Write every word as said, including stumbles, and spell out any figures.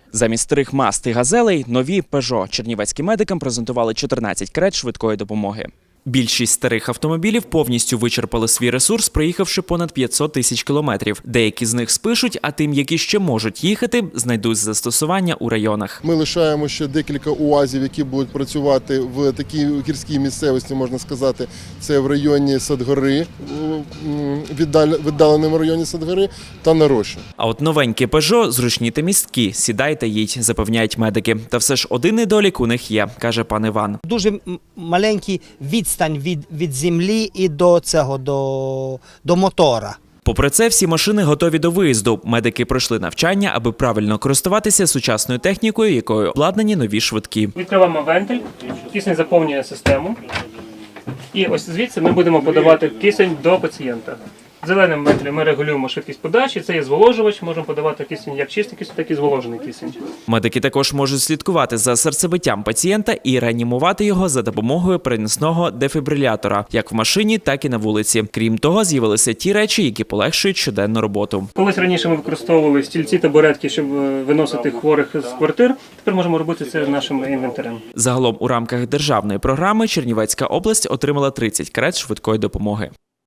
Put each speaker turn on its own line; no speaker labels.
Замість старих Мазд і Газелей – нові Пежо. Чернівецьким медикам презентували чотирнадцять карет швидкої допомоги. Більшість старих автомобілів повністю вичерпали свій ресурс, проїхавши понад п'ятсот тисяч кілометрів. Деякі з них спишуть, а тим, які ще можуть їхати, знайдуть застосування у районах.
Ми лишаємо ще декілька УАЗів, які будуть працювати в такій гірській місцевості, можна сказати. Це в районі Садгори, віддаленому районі Садгори та на Роші.
А от новенькі Пежо зручні та місткі. Сідай та їдь, запевняють медики. Та все ж один недолік у них є, каже пан Іван.
Дуже маленький відстань від, від землі і до цього, до, до мотора.
Попри це, всі машини готові до виїзду. Медики пройшли навчання, аби правильно користуватися сучасною технікою, якою обладнані нові швидкі.
Відкриваємо вентиль, кисень заповнює систему. І ось звідси ми будемо подавати кисень до пацієнта. Зеленим вентилем ми регулюємо швидкість подачі, це є зволожувач, можемо подавати кисень як чистий кисень, так і зволожений кисень.
Медики також можуть слідкувати за серцебиттям пацієнта і реанімувати його за допомогою переносного дефібрилятора, як в машині, так і на вулиці. Крім того, з'явилися ті речі, які полегшують щоденну роботу.
Колись раніше ми використовували стільці, табуретки, щоб виносити хворих з квартир, тепер можемо робити це нашим інвентарем.
Загалом у рамках державної програми Чернівецька область отримала тридцять карет швидкої допомоги.